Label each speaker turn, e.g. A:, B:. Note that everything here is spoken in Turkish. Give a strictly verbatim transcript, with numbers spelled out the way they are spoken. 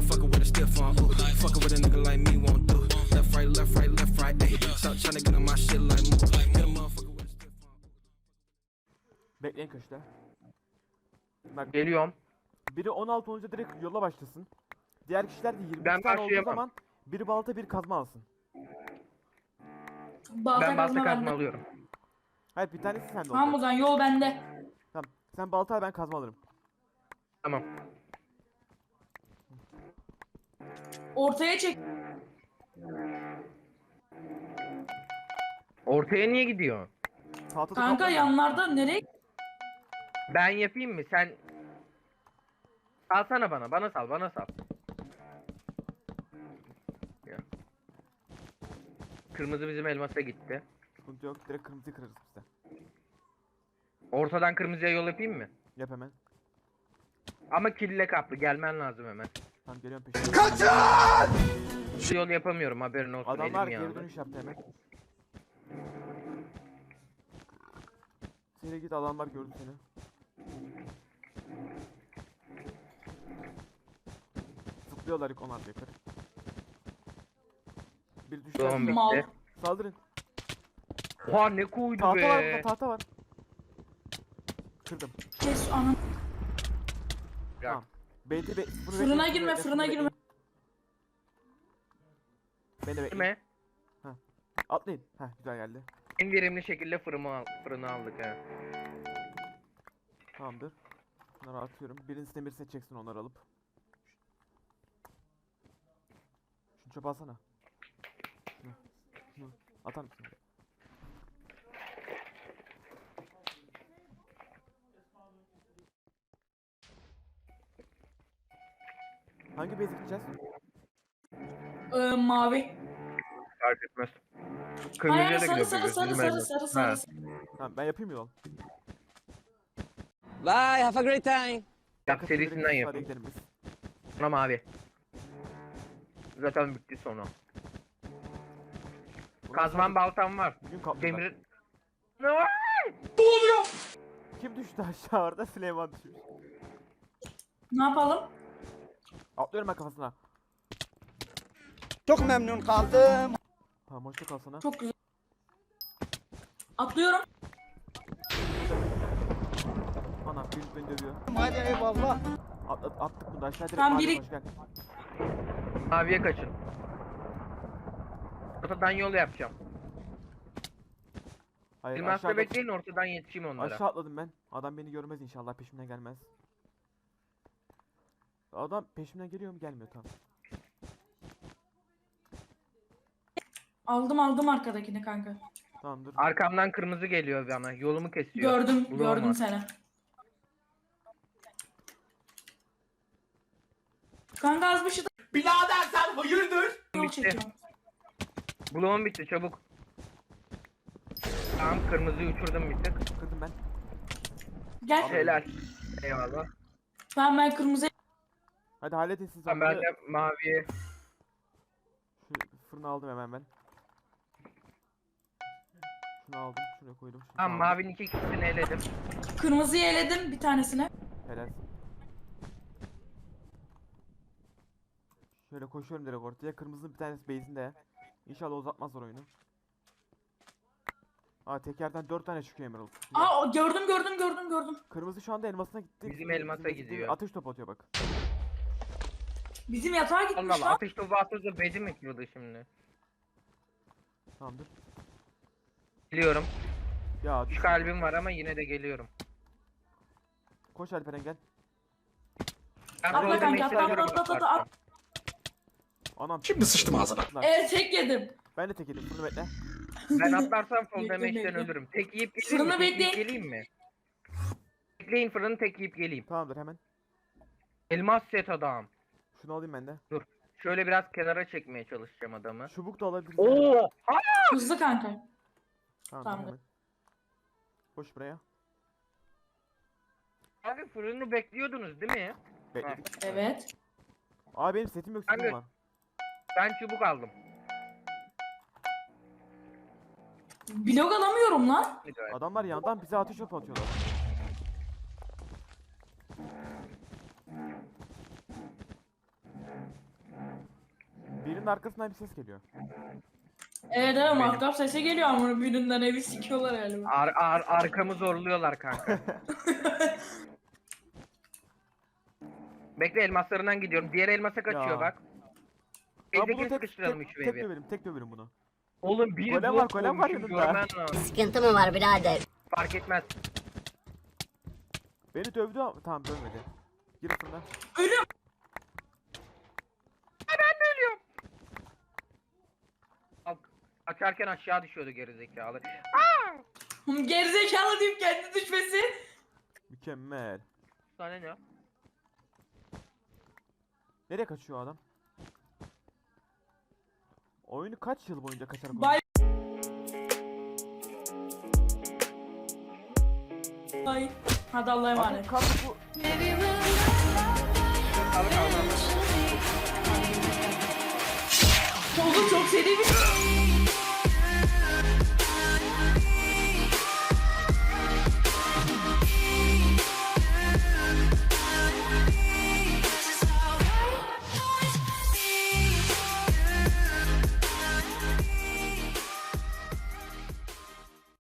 A: motherfucker with a stiff on. Ooh, fucking with a nigga like me won't do. Left, right, left, right, left, right. Ayy, stop trying to get on my shit like move. Hit a motherfucker with a stiff on.
B: Bekleyin köşede. Bak
C: Geliyorum.
B: biri on altı olunca direkt yola başlasın. Diğer kişiler de yirmi
C: Ben
B: tane olduğu
C: başlayamam.
B: zaman biri balta bir kazma alsın.
D: Balta
C: Ben balta
D: kazma
C: kazma
D: bende.
C: alıyorum.
B: Hayır bir tanesi sende
D: Tamam o
B: olacak.
D: zaman yol bende.
B: Tamam. Sen balta al ben kazma alırım.
C: Tamam.
D: Ortaya çek.
C: Ortaya niye gidiyor?
B: Tahtada
D: Kanka
B: topla.
D: yanlarda nereye?
C: Ben yapayım mı? Sen salsana bana. Bana sal. Bana sal. Ya. Kırmızı bizim elmasa gitti.
B: Sıkıntı yok. Direkt kırmızıyı kırarız biz de.
C: Ortadan kırmızıya yol yapayım mı?
B: Yap hemen.
C: Ama kille kaplı. Gelmen lazım hemen.
B: Tamam geliyorum peşine.
C: Şu yol yapamıyorum. Haberin olsun.
B: Adamlar
C: elim
B: geri
C: yağlı.
B: dönüş yaptı hemen. Seni git adamlar gördü seni. Zıplıyorlar ilk onlar yukarı. Bir düştü.
C: Tamam
D: Mal.
C: bitti.
B: Saldırın.
C: Oha ne koydu
B: Tahta var
C: be.
B: burada tahta var. Kırdım.
D: Kes anam.
C: Ya.
B: Tamam. Beyti be bunu
D: Fırına
B: bekleyin,
D: girme,
B: bekleyin,
D: fırına
B: bekleyin.
D: girme.
B: Beni de bekleyin.
C: Değil mi?
B: Atlayın. Heh güzel geldi.
C: En verimli şekilde fırını, al fırını aldık ha.
B: Tamamdır. Bunları atıyorum. Birincisine birisine çeksin onları alıp. Şunu çöpe alsana. Şunu. Şunu. Atar mısın? Hangi base gideceğiz?
D: Ee, mavi.
C: Fark etmez.
D: Hayır
C: Kırmızıya da
D: sarı
C: gidiyor.
D: sarı sarı
C: bizim
D: sarı
C: elmas.
D: sarı
C: Ha.
D: sarı.
B: Tamam ben yapayım yol.
E: Bye, have a great time.
C: Yap serisinden
B: Hadi
C: yapayım.
B: gidelim biz.
C: Sonra mavi. Zaten bitti sonra.
B: Bundan
C: Kazman
B: sonra
C: baltam var.
B: Bugün kaplılar.
C: Demir... Ne var?
B: Kim düştü aşağı orada? Süleyman düşmüş.
D: Ne yapalım?
B: Atlıyorum ben kafasına.
E: Çok memnun kaldım.
B: Tamam hoşça kal sana.
D: Çok güzel. Atlıyorum.
B: Ana bir beni dövüyor.
E: Hadi eyvallah.
B: At, at, attık bunu da aşağı direkt
D: Tamam,
B: mavi
D: biri-
B: koş gel.
C: Maviye kaçın. Ortadan yol yapacağım.
B: Hayır
C: Elmasla
B: aşağıda,
C: bekleyin ortadan yetişeyim onlara.
B: aşağı atladım ben. Adam beni görmez inşallah peşimden gelmez. Adam peşimden geliyor mu gelmiyor tamam.
D: Aldım aldım arkadakini kanka.
B: Tamamdır.
C: Arkamdan kırmızı geliyor bana. Yolumu kesiyor.
D: Gördüm
C: Bulamam
D: gördüm
C: var.
D: seni. Kanka az bir şey.
A: Birader sen hayırdır?
D: Yol
C: Bitti.
D: çekiyorum.
C: Bloğum bitti çabuk. Tamam kırmızıyı uçurdum bir tık.
B: Kırdım ben.
D: Gel.
C: Helal. Eyvallah.
D: Tamam ben kırmızı.
B: Hadi halledin siz
C: Tamam ben
B: onları.
C: de maviye.
B: Şu fırını aldım hemen ben. Şunu aldım, şuraya koydum. Şunu
C: Tamam
B: aldım.
C: mavinin iki kişisini eledim.
D: Kırmızıyı eledim bir tanesine.
B: Helal. Şöyle koşuyorum direkt ortaya. Kırmızının bir tanesi base'inde. İnşallah uzatmazlar oyunu. Aa tekerden dört tane çıkıyor Emerald. Güzel.
D: Aa o- gördüm gördüm gördüm gördüm.
B: Kırmızı şu anda elmasına gitti.
C: Bizim elmasa
B: Bizim-
C: gidiyor.
B: Ateş topu atıyor bak.
D: Bizim yatağa
C: Allah
D: gitmiş
C: Allah
D: lan.
C: ateş topu atınca bezi mi kırıldı şimdi?
B: Tamamdır.
C: Geliyorum.
B: Ya
C: Üç
B: düş.
C: kalbim var ama yine de geliyorum.
B: Koş Alperen gel.
C: Ben
D: Atla
C: Golden
D: kanka,
C: Mage'e
D: atla,
C: göre
D: atla, atla,
C: bakacağım.
D: atla.
B: Anam.
A: Şimdi sıçtım ağzına.
B: Atlar.
D: Evet tek yedim.
B: Ben de tek yedim. Fırını bekle.
C: Ben atlarsam full
D: Bekle,
C: damage'den
D: bekle.
C: ölürüm. Tek yiyip geleyim
D: Fırını
C: mi? Tek yiyip
D: bekleyin.
C: geleyim mi? Bekleyin fırını tek yiyip geleyim.
B: Tamamdır hemen.
C: Elmas set adam.
B: Şunu alayım ben de.
C: Şöyle biraz kenara çekmeye çalışacağım adamı.
B: Çubuk da alabiliriz.
C: Oo! Ha!
D: Hızlı kanka.
B: Tamam
D: Tamamdır.
B: hemen. Koş buraya.
C: Abi fırını bekliyordunuz değil mi?
B: Bekledik.
D: Evet.
B: Abi benim setim yok,
C: Abi-
B: setim var.
C: Ben çubuk aldım.
D: Blok alamıyorum lan.
B: Adamlar yandan bize ateş topu atıyorlar. Birinin arkasından bir ses geliyor.
D: Evet evet mahtap sesi geliyor ama birinden evi sikiyorlar galiba.
C: Ar ar arkamı zorluyorlar kanka. Bekle elmaslarından gidiyorum. Diğer elmasa kaçıyor
B: Ya.
C: bak.
B: Lan bunu
C: Eldekini
B: tek,
C: sıkıştıralım
B: tek,
C: üç
B: tek
C: ve bir.
B: döverim, tek döverim bunu.
C: Oğlum bir
B: Golem var,
C: blok
B: golem var
C: koymuşum,
B: yanında.
C: görmen lazım.
F: Sıkıntı mı var birader?
C: Fark etmez.
B: Beni dövdü ama tamam dövmedi. Gir fırına.
D: Ölüyorum.
C: Al, açarken aşağı düşüyordu gerizekalı.
D: Gerizekalı deyip kendi düşmesi.
B: Mükemmel.
C: Sana ne?
B: Nereye kaçıyor o adam? Oyunu kaç yıl boyunca kaçarak
D: Bay Bay. Hadi Allah'a
B: oynuyor?
D: emanet.
B: Abi kanka bu
C: Al al al.
D: Oğlum çok seri bir